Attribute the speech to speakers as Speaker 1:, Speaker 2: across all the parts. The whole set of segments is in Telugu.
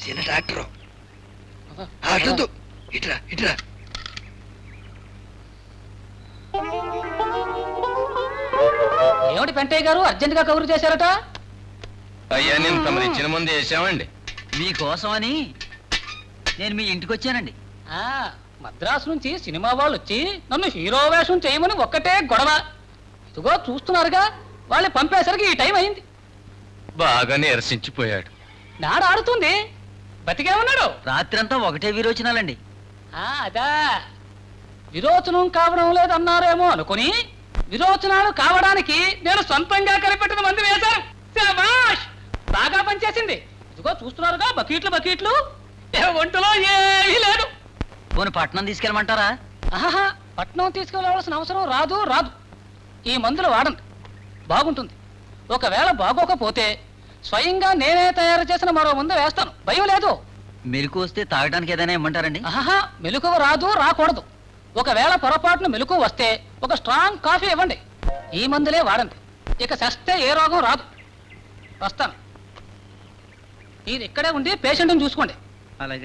Speaker 1: చిన్న డాక్టరు. అట్లొద్దు, ఇట్రా ఇట్రా.
Speaker 2: ఏమిటి పెంటయ్య గారు అర్జెంట్ గా కబురు చేశారట?
Speaker 3: అయ్యా నేను తమరు ఇచ్చిన ముందు వేసామండి.
Speaker 4: మీకోసమని నేను మీ ఇంటికి వచ్చానండి.
Speaker 2: మద్రాసు నుంచి సినిమా వాళ్ళు వచ్చి నన్ను హీరో వేషం చేయమని ఒక్కటే గొడవ. ఇదిగో చూస్తున్నారుగా, వాళ్ళు పంపేసరికి ఈ టైం అయింది.
Speaker 3: బాగా నీరసించిపోయాడు.
Speaker 2: నాడు ఆడుతుంది, బతికే ఉన్నాడు.
Speaker 4: రాత్రంతా ఒకటే విరోచనాలండి.
Speaker 2: అదా విరోచనం కావడం లేదన్నారేమో అనుకుని విరోచనాలు కావడానికి నేను సొంతంగా కనిపెట్టిన మంది వేశాను. శభాష్, బాగా పనిచేసింది. ఇదిగో చూస్తున్నారుగా, బకెట్లు బకెట్లు. ఒంటిలో ఏమీ లేదు.
Speaker 4: పోనీ పట్నం తీసుకెళ్ళమంటారా?
Speaker 2: ఆహా, పట్నం తీసుకెళ్ళవలసిన అవసరం రాదు. ఈ మందులు వాడండి, బాగుంటుంది. ఒకవేళ బాగోకపోతే స్వయంగా నేనే తయారు చేసిన మరో మందు వేస్తాను, భయం లేదు.
Speaker 4: మెలకు వస్తే తాగడానికి ఏదైనా ఇమ్మంటారండి?
Speaker 2: ఆహా, మెలకువ రాకూడదు. ఒకవేళ పొరపాటున మెలకువ వస్తే ఒక స్ట్రాంగ్ కాఫీ ఇవ్వండి. ఈ మందులే వాడండి, ఇక చస్తే ఏ రోగం రాదు. వస్తాను. మీరు ఇక్కడే ఉండి పేషెంట్ని చూసుకోండి.
Speaker 4: అలాగే.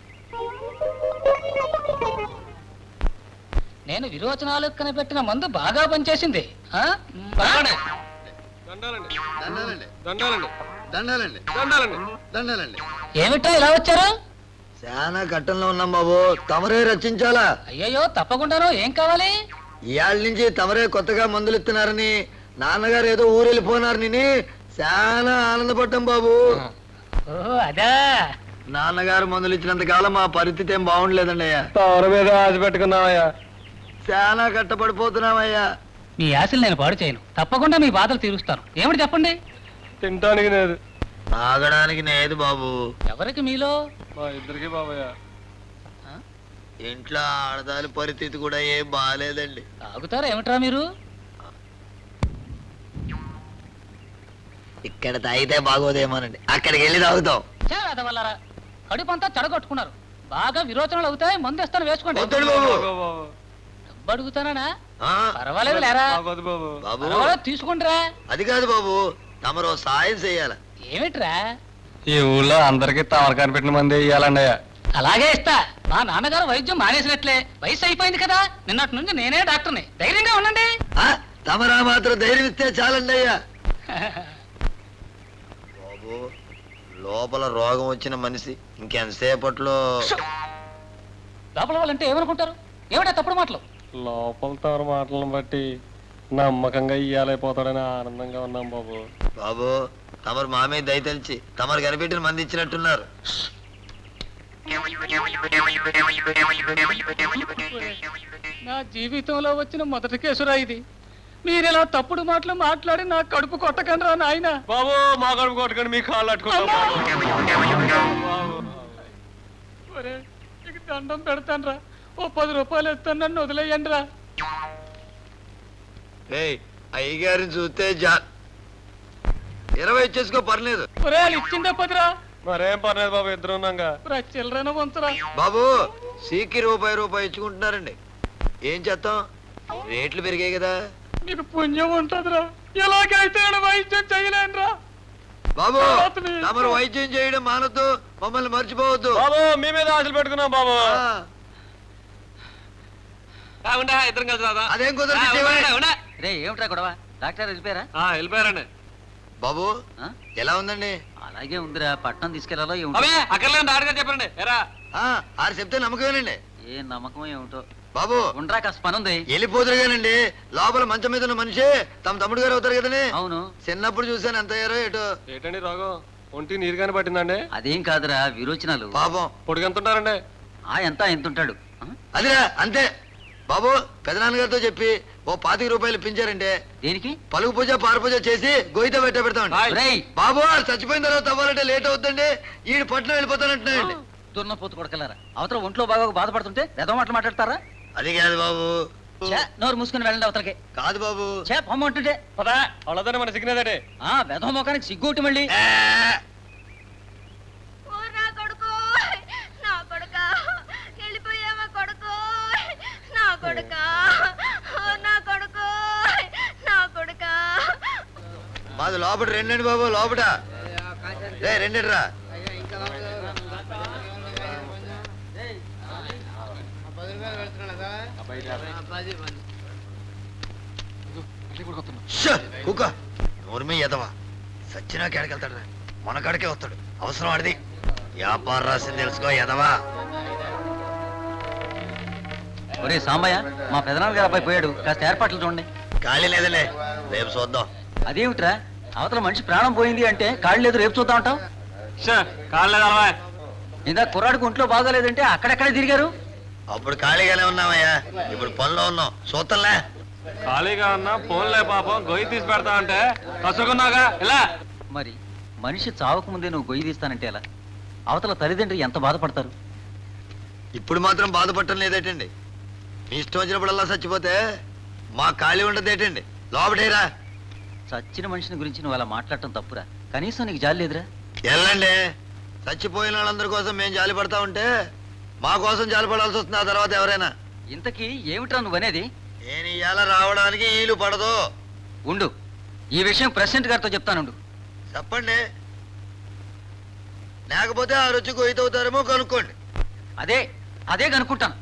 Speaker 2: నేను విరోచనాలు కనిపెట్టిన మందు బాగా పనిచేసింది. ఏమిటో ఇలా వచ్చారు?
Speaker 1: చాలా కట్టంలో ఉన్నాం బాబు, తమరే రచించాలా?
Speaker 2: అయ్యయ్యో, తప్పకుండాను. ఏం కావాలి?
Speaker 1: ఇవాళ నుంచి తమరే కొత్తగా మందులు ఇస్తున్నారని నాన్నగారు ఏదో ఊరెళ్ళిపోనారని చాలా ఆనందపడ్డాం బాబు.
Speaker 2: అదా,
Speaker 1: నాన్నగారు మందులు ఇచ్చినంత కాలం మా పరిస్థితి ఏం బాగుండలేదండి అయ్యా.
Speaker 3: తమరి మీద ఆశ పెట్టుకున్నామయ్యా.
Speaker 1: చాలా కట్టపడిపోతున్నామయ్యా.
Speaker 2: మీ ఆశలు నేను పాడు చేయను, తప్పకుండా మీ బాధలు తీరుస్తాను. ఏమిటి చెప్పండి?
Speaker 3: తినటానికి లేదు,
Speaker 1: తాగడానికి లేదు బాబు.
Speaker 2: ఎవరికి మీలో?
Speaker 3: మా ఇద్దరికి బాబయ్య.
Speaker 1: ఇంట్లో ఆడదాని పరిస్థితి కూడా ఏం బాగాలేదండి.
Speaker 2: తాగుతారా ఏమిట్రా మీరు?
Speaker 1: ఇక్కడ తాగితే బాగోదేమోనండి, అక్కడికి వెళ్ళి తాగుతాం.
Speaker 2: వల్లరా, కడుపంతా చెడగొట్టుకున్నారు. బాగా విరోచనలు అవుతాయి, మందు ఇస్తాను, వేసుకోండి. డబ్బు అడుగుతానా? పర్వాలేదు లేరా బాబు, తీసుకుంటారా?
Speaker 1: అది కాదు బాబు, తమరు సాయం చెయ్యాల.
Speaker 2: ఏమిట్రా?
Speaker 3: ఈ ఊళ్ళో అందరికి తమరు కనిపెట్టిన మంది ఇయ్యాలండి.
Speaker 2: అలాగే ఇస్తా. మా నాన్నగారు వైద్యం మానేసినట్లే, వయసు అయిపోయింది కదా. నిన్నటి నుంచి నేనే డాక్టర్ని, ధైర్యంగా ఉండండి.
Speaker 1: తమరా మాత్రం ధైర్యం ఇస్తే చాలండి అయ్యా. బాబు, లోపల రోగం వచ్చిన మనిషి ఇంకెంతసేపట్లో
Speaker 2: లోపల వాళ్ళంటే ఏమనుకుంటారు? ఏమిటా తప్పుడు మాటలు?
Speaker 3: లోపల తమరి మాటలను బట్టి నమ్మకంగా ఇయ్యాలైపోతాడని ఆనందంగా ఉన్నాం బాబు.
Speaker 1: బాబు, తమరు మా మీద దయ తెలిసి తమరు కనిపెట్టిన మంది ఇచ్చినట్టున్నారు.
Speaker 2: నా జీవితంలో వచ్చిన మొదటి కేసురా ఇది. మీరెలా తప్పుడు మాటలు మాట్లాడి నా కడుపు కొట్టకండి రా నాయన.
Speaker 3: బాబు, మా కడుపు కొట్టకండి, మీ కాళ్ళు అట్టుకుంటాం.
Speaker 2: దండం పెడతాను రా, ఓ 10 రూపాయలు ఇస్తాను, నన్ను వదిలేయండి రా.
Speaker 1: అయ్యగారిని చూస్తే 20 ఇచ్చేసుకో, పర్లేదు.
Speaker 2: ఇచ్చిందే 10 రా.
Speaker 3: మరేం పర్లేదు బాబు, ఇద్దరు ఉన్నాగా.
Speaker 2: చిల్లరైన వంతురా
Speaker 1: బాబు. సీకి రూపాయి ఇచ్చుకుంటున్నారండి, ఏం చేస్తాం, రేట్లు పెరిగాయి కదా.
Speaker 2: మీకు పుణ్యం ఉంటదిరా, ఎలాగైతే వైద్యం చేయలేనురా.
Speaker 1: బాబు, తమరు వైద్యం చేయడం మానొద్దు, మమ్మల్ని మర్చిపోవద్దు.
Speaker 3: బాబు, మీ మీద ఆశలు పెట్టుకున్నాం బాబు. ఇద్దరం కలిసి రాదా?
Speaker 1: అదేం కుదరదు.
Speaker 4: ఏమిటా గొడవ? డాక్టర్ వెళ్ళిపోయారా?
Speaker 3: వెళ్ళిపోయారండి.
Speaker 1: బాబు, ఎలా ఉందండి?
Speaker 4: అలాగే ఉందిరా, పట్నం తీసుకెళ్లాలో
Speaker 3: అక్కర్లేదు, డాక్టర్ చెప్పండి.
Speaker 1: ఆరు చెప్తే నమ్మకమేనండి.
Speaker 4: ఏ నమ్మకం ఏమిటో
Speaker 1: బాబు.
Speaker 4: ఉండరా, కాస్త పని ఉంది.
Speaker 1: వెళ్ళిపోతురుగానండి, లోపల మంచం మీద ఉన్న మనిషి తమ తమ్ముడు గారు అవుతారు కదండి.
Speaker 4: అవును,
Speaker 1: చిన్నప్పుడు చూసాను, ఎంత అయ్యారో ఏటో.
Speaker 3: ఏంటండి రోగం? ఒంటి నీరుగానే పట్టిందండి?
Speaker 4: అదేం కాదురా, విరోచనాలు.
Speaker 1: పాపం.
Speaker 3: పొడిగెంత ఉంటారండి?
Speaker 4: ఎంత ఉంటాడు?
Speaker 1: అదిరా, అంతే. బాబు, పెదనాన్నగారితో చెప్పి ఓ 25 రూపాయలు ఇప్పించారంటే
Speaker 4: దేనికి?
Speaker 1: పలుగు పూజ పార పూజ చేసి గోయిత పెడతామండి. బాబు, చచ్చిపోయిన తర్వాత అవ్వాలంటే లేట్ అవుతుందండి, ఈ పట్నం వెళ్ళిపోతానంటున్నాయండి.
Speaker 4: దున్నపోతు కొడకలారా, అవతల ఒంట్లో బాగా బాధపడుతుంటే వెధవ మాటలు మాట్లాడతారా?
Speaker 1: అది కాదు బాబు.
Speaker 4: నోరు మూసుకుని వెళ్ళండి అవతలకి.
Speaker 1: కాదు బాబు,
Speaker 4: పొమ్మంటుంటే
Speaker 3: పదా అவ்வளోదానే మన సిగ్నేదండి.
Speaker 4: వెధవ మొఖానికి సిగ్గుటి మళ్ళీ.
Speaker 1: మాది లోపల రెండండి బాబు, లోపల రెండండి రా. కుక్క నోర్మి ఎదవా సచ్చినా కేడకెళ్తాడు మన కాడికే వస్తాడు అవసరం ఆడిది వ్యాపారం రాసింది తెలుసుకో ఎదవా.
Speaker 4: ఒరే సాంబయ్య, మా పెదనాన్న గారు అబ్బాయి పోయాడు, కాస్త ఏర్పాట్లు చూడండి.
Speaker 1: ఖాళీ లేదులే, రేపు చూద్దాం.
Speaker 4: అదేమిట్రా, అవతల మనిషి ప్రాణం పోయింది అంటే కాళ్ళు లేదు, రేపు చూద్దాం అంటావు? ఇందా కుర్రాడికి ఒంట్లో బాగోలేదంటే అక్కడెక్కడే తిరిగారు.
Speaker 1: అప్పుడు ఖాళీగానే ఉన్నామయ్యా, ఇప్పుడు పనిలో ఉన్నాం, చూద్దాంలే.
Speaker 3: ఖాళీగా ఉన్నా ఫోన్లే పాపం గొయ్యి తీసి పెడతా అంటే కసుకున్నాగా ఇలా.
Speaker 4: మరి మనిషి చావక ముందే నువ్వు గొయ్యి తీస్తానంటే ఎలా? అవతల తల్లిదండ్రులు ఎంత బాధపడతారు.
Speaker 1: ఇప్పుడు మాత్రం బాధపడటం లేదేటండి, మీ ఇష్టం వచ్చినప్పుడల్లా చచ్చిపోతే మా ఖాళీ ఉండదేటండి, లోపటేరా.
Speaker 4: చచ్చిన మనిషిని గురించి నువ్వు అలా మాట్లాడటం తప్పురా, కనీసం నీకు జాలి లేదురా?
Speaker 1: వెళ్ళండి, చచ్చిపోయిన వాళ్ళందరి కోసం మేము జాలి పడతా ఉంటే మా కోసం జాలి పడాల్సి వస్తుంది ఆ తర్వాత ఎవరైనా.
Speaker 4: ఇంతకీ ఏమిట్రా నువ్వనేది?
Speaker 1: నేను ఇవాళ రావడానికి వీలు పడదు.
Speaker 4: ఉండు, ఈ విషయం ప్రెసిడెంట్ గారితో చెప్తానుండు.
Speaker 1: చెప్పండి, లేకపోతే ఆ రుచి కొయ్యతవుతారేమో కనుక్కోండి.
Speaker 4: అదే అదే కనుక్కుంటాను.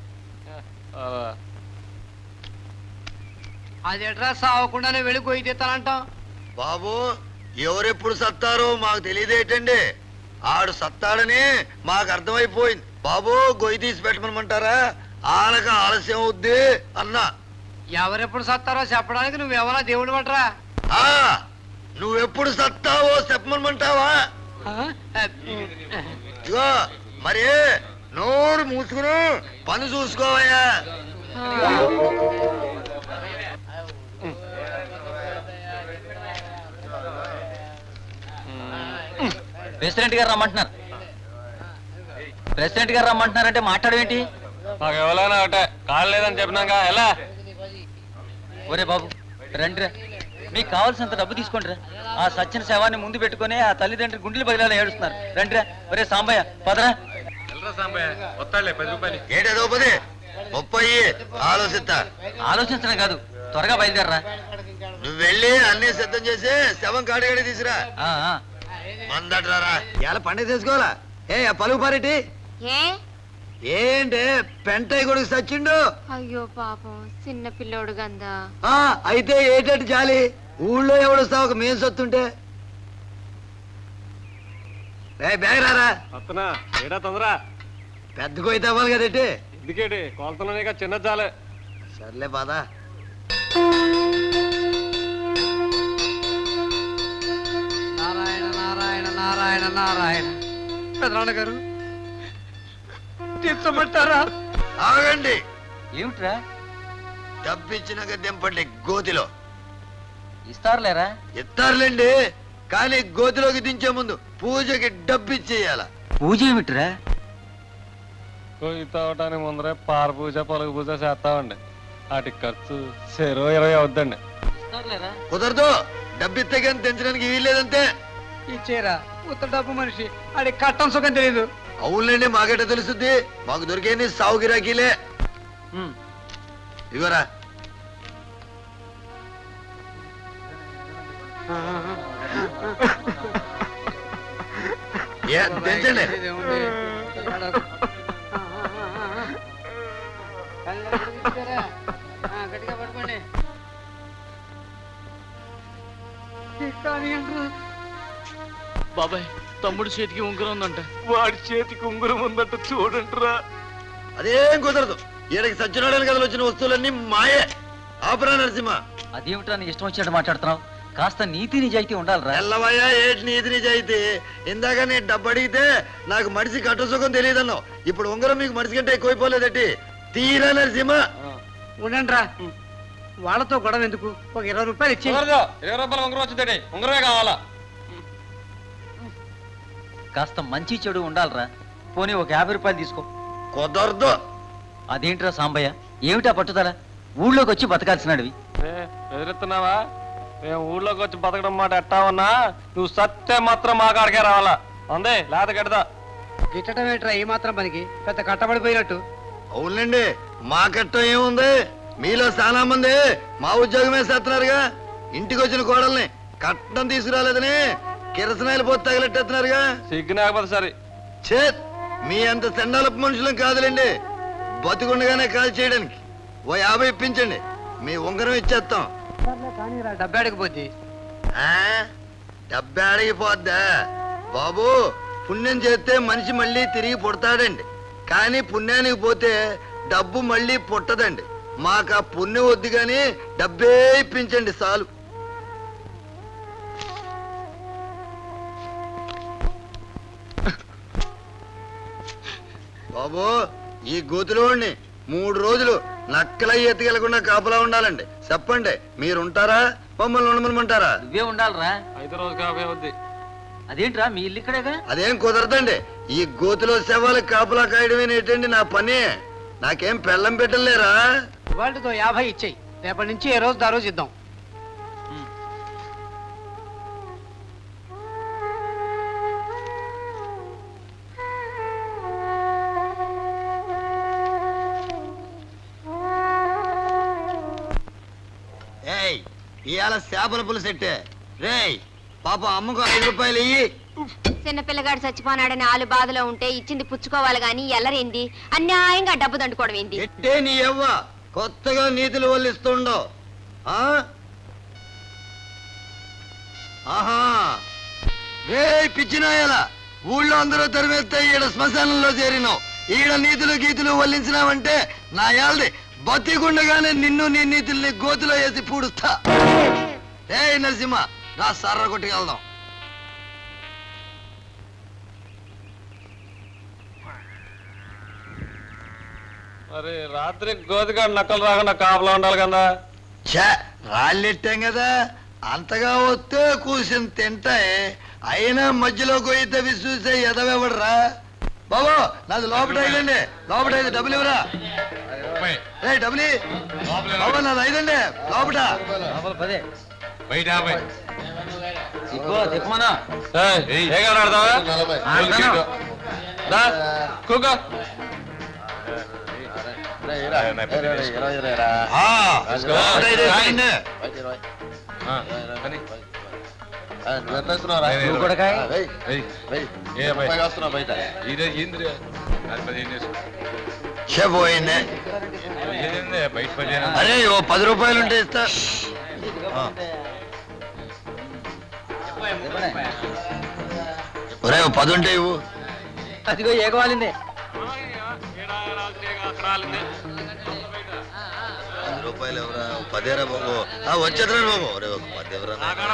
Speaker 5: అదేట్రా సావకుండానే వెళ్ళి గొయ్యి తీస్తానంటాం.
Speaker 1: బాబు, ఎవరెప్పుడు సత్తారో మాకు తెలియదేటండి, ఆడు సత్తాడని మాకు అర్థమైపోయింది. బాబు, గొయ్యి తీసి పెట్టమనమంటారా, ఆనక ఆలస్యం అవుద్ది అన్నా.
Speaker 5: ఎవరెప్పుడు సత్తారో చెప్పడానికి నువ్వేమన్నా దేవుడు పట్రా.
Speaker 1: ఆ, నువ్వెప్పుడు సత్తావో చెప్పమనమంటావా? ఇగో మరి నోరు మూసుకుని పని చూసుకోవయ్యా.
Speaker 4: ప్రెసిడెంట్ గారు రమ్మంటున్నారు. ప్రెసిడెంట్ గారు రమ్మంటున్నారంటే మాట్లాడవేంటి?
Speaker 3: నాకు ఎవరైనా ఒకటే, కాళ్ళు లేదని చెప్పినాక ఎలా?
Speaker 4: ఒరే బాబు రండిరా, మీకు కావాల్సినంత డబ్బు తీసుకోండిరా. ఆ సచ్చిన శవాన్ని ముందు పెట్టుకుని ఆ తల్లిదండ్రులు గుండెలు బదిలాలు ఏడుస్తున్నారు. రండిరా. ఒరే సాంబయ్య పదరా.
Speaker 1: ఏటేదో 10 30 ఆలోచిస్తా.
Speaker 4: ఆలోచించడం కాదు, త్వరగా బయలుదేరరా.
Speaker 1: నువ్వు వెళ్ళి అన్ని సిద్ధం చేసి శవం కాడిగాడి తీసురా.
Speaker 4: ఆ, ఆ.
Speaker 1: మందట్రారా, ఇలా పండుగ చేసుకోవాలా? ఏ పలుకు పారేటి ఏంటే పెంటయ్య కొడుకు సచ్చిండు.
Speaker 6: అయ్యో పాపం, చిన్న పిల్లోడు గందా.
Speaker 1: అయితే ఏటట్టు జాలి, ఊళ్ళో ఎవడొస్తావు ఒక మేం సొత్తుంటే. బ్యాగ్ రారా,
Speaker 3: అత్తనా ఏడా తొందర,
Speaker 1: పెద్ద కొయ్యి అవ్వాలి కదేటి.
Speaker 3: ఎందుకేటి కొలతలోనే చిన్న చాలే.
Speaker 1: సర్లే బాధ.
Speaker 5: నారాయణ నారాయణ నారాయణ నారాయణ. పెదనాన్న గారు తీర్చమంటారా?
Speaker 1: ఆగండి,
Speaker 4: ఏమిట్రా?
Speaker 1: డబ్బిచ్చినాక దింపండి గోతిలో.
Speaker 4: ఇస్తారులేరా?
Speaker 1: ఇస్తారులేండి, కానీ గోతిలోకి దించే ముందు పూజకి డబ్బిచ్చేయాల.
Speaker 4: పూజ ఏమిట్రా?
Speaker 3: గొయ్యి తవ్వటానికి ముందరే పార పూజ పలుగు పూజ చేస్తామండి, వాటి ఖర్చు 20 అవుద్దండి.
Speaker 4: ఇస్తారులేరా?
Speaker 1: కుదరదు, డబ్బిస్తే కానీ తెంచడానికి వీల్లేదంతే.
Speaker 5: ఇచ్చేరా, ఉత్త డబ్బు మనిషి, ఆడి కట్టం సుఖం తెలీదు.
Speaker 1: అవునులేండి, మాకేట తెలుస్తుంది, మాకు దొరికేది సాగు గిరాకీలే.
Speaker 4: ఉమ్.
Speaker 1: ఇగోరా. తెంచండి.
Speaker 5: గట్టిగా పట్టుకోండి.
Speaker 7: బాబాయ్, తమ్ముడు చేతికి ఉంగరం ఉందంట.
Speaker 3: వాడి చేతికి ఉంగరం ఉందంట చూడండిరా.
Speaker 1: అదేం కుదరదు, ఈడకి సత్యనారాయణ కథలు వచ్చిన వస్తువులన్నీ మాయే. ఆపరా నరసింహ.
Speaker 4: అదేమిట్రా నీ ఇష్టం వచ్చినట్టు మాట్లాడుతున్నావు? కాస్త నీతి నిజాయితీ ఉండాలిరా.
Speaker 1: ఎల్లవయ్యా, ఏటి నీతి నిజాయితీ? ఇందాక నేను డబ్బు అడిగితే నాకు మనిషి కట్టసుఖం తెలియదన్నావు, ఇప్పుడు ఉంగరం మీకు మనిషి కంటే ఎక్కువైపోలేదటి. తీరా నరసింహ.
Speaker 5: ఉండండి రా, వాళ్ళతో గొడవ ఎందుకు? ఒక 20 రూపాయలు ఇచ్చి.
Speaker 3: 20 రూపాయలు ఉంగరం వచ్చిందండి, ఉంగరమే కావాలా?
Speaker 4: కాస్త మంచి చెడు ఉండాలిరా. పోనీ ఒక 50 రూపాయలు తీసుకో.
Speaker 1: కుదరదు.
Speaker 4: అదేంట్రా సాంబయ్య, ఏమిటా పట్టుదల? ఊళ్ళోకి వచ్చి బతకాల్సినవి.
Speaker 3: ఎదురెత్తున్నావా? మేము ఊళ్ళోకి వచ్చి బతకడం మాట ఎట్టా ఉన్నా, నువ్వు సత్తే మాత్రం మా కాడికే రావాలా, అందే లేత గడదా.
Speaker 5: గిట్టడం ఏంట్రా ఈ మాత్రం పనికి? పెద్ద కట్టబడిపోయినట్టు.
Speaker 1: అవునండి, మా కట్టం ఏముంది, మీలో చాలా మంది మా ఉద్యోగమే చేస్తున్నారుగా. ఇంటికి వచ్చిన కోడల్ని కట్నం తీసుకురాలేదని కిరసనాయలు పోతే తగిలెట్టేస్తున్నారుగా.
Speaker 3: సిగ్గునాకపోతే సరే.
Speaker 1: చే, మీ అంత సెండాలపు మనుషులం కాదులేండి, బతికుండగానే కాల్ చేయడానికి. ఓ 50 ఇప్పించండి, మీ ఉంగరం ఇచ్చేస్తాం.
Speaker 5: కానీ డబ్బు అడగపోద్ది.
Speaker 1: ఆ? డబ్బే అడిగిపోద్దా బాబు? పుణ్యం చేస్తే మనిషి మళ్ళీ తిరిగి పుడతాడండి, కానీ పుణ్యానికి పోతే డబ్బు మళ్ళీ పుట్టదండి. మాకు ఆ పుణ్యం వద్దు కానీ డబ్బే ఇప్పించండి చాలు. బాబు, ఈ గోతులోని 3 రోజులు నక్కలై ఎత్తుకెళ్లకుండా కాపలా ఉండాలండి. చెప్పండి, మీరుంటారా మమ్మల్ని ఉండమనమంటారా?
Speaker 4: నువ్వే ఉండాలిరా.
Speaker 3: 5 రోజు కాపే వద్ది.
Speaker 4: అదేంట్రా మీ ఇల్లు ఇక్కడేగా?
Speaker 1: అదేం కుదరదండి. ఈ గోతులో శవాలకు కాపలా కాయడమేనేటండి నా పని. నాకేం పెళ్ళం పెట్టలేరా?
Speaker 5: వాళ్ళతో 50 ఇచ్చేయి. రేపటి నుంచి ఏ రోజు దా రోజు ఇద్దాం.
Speaker 1: ఏయ్, ఇవాళ చేపల పులుసెట్టే. రేయ్ పాప, అమ్మకు 5 రూపాయలు ఇయ్యి.
Speaker 6: చిన్న పిల్లగాడు చచ్చిపోనాడని ఆలు బాధలో ఉంటే ఇచ్చింది పుచ్చుకోవాలి గాని ఎల్లరేంది అన్యాయంగా డబ్బు దండుకోవడం ఏంది?
Speaker 1: ఎట్టే నీ ఎవ్వ కొత్తగా నీతులు వల్లిస్తుండవు. ఆహా, రే పిచ్చినాయాల, ఊళ్ళో అందరూ తరిమేస్తే ఈడ శ్మశానంలో చేరినావు. ఈడ నీతులు గీతులు వల్లించినావంటే నా యాల్ది బతికుండగానే నిన్ను నీ నీతుల్ని గోతులో వేసి పూడుస్తా. ఏ నరసింహ, రా సర్ర కొట్టుకెళ్దాం.
Speaker 3: మరి రాత్రి గోతికాడు నక్కలు రాకుండా కాపలా ఉండాలి కదా.
Speaker 1: ఛా, రాళ్ళెట్టాం కదా, అంతగా వస్తే కూర్చుని తింటాయి. అయినా మధ్యలో గొయ్యి తవ్వి చూసే ఎదవెవడరా బాబు? నాది లోపల 5 అండి, లోపల 5 డబ్బులు ఇవ్వరా? ఏ డబ్బులు బాబు, నాది 5 అండి లోపల.
Speaker 4: చెప్పమనా
Speaker 3: ఏ కాడ ఆడతావా? దా, కూకో.
Speaker 1: లోపల 5 వేసేయండి. ఛే, పోయింది. అరే ఓ 10 రూపాయలు ఉంటే ఇస్తా. ఒరే ఓ 10 ఉంటే ఇవ్వు.
Speaker 4: అదిగో ఏగవాలిందే.
Speaker 1: 10 రూపాయలు ఎవరా? 10 బాబు. వచ్చేద్దరా బాబు? ఒరే ఒక 10 ఎవరా?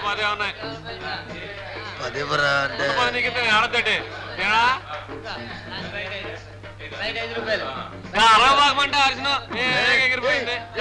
Speaker 1: 10 ఎవరా అంటే
Speaker 3: అరవై బాగమంటే అరిసిన ఎగిరిపోయింది.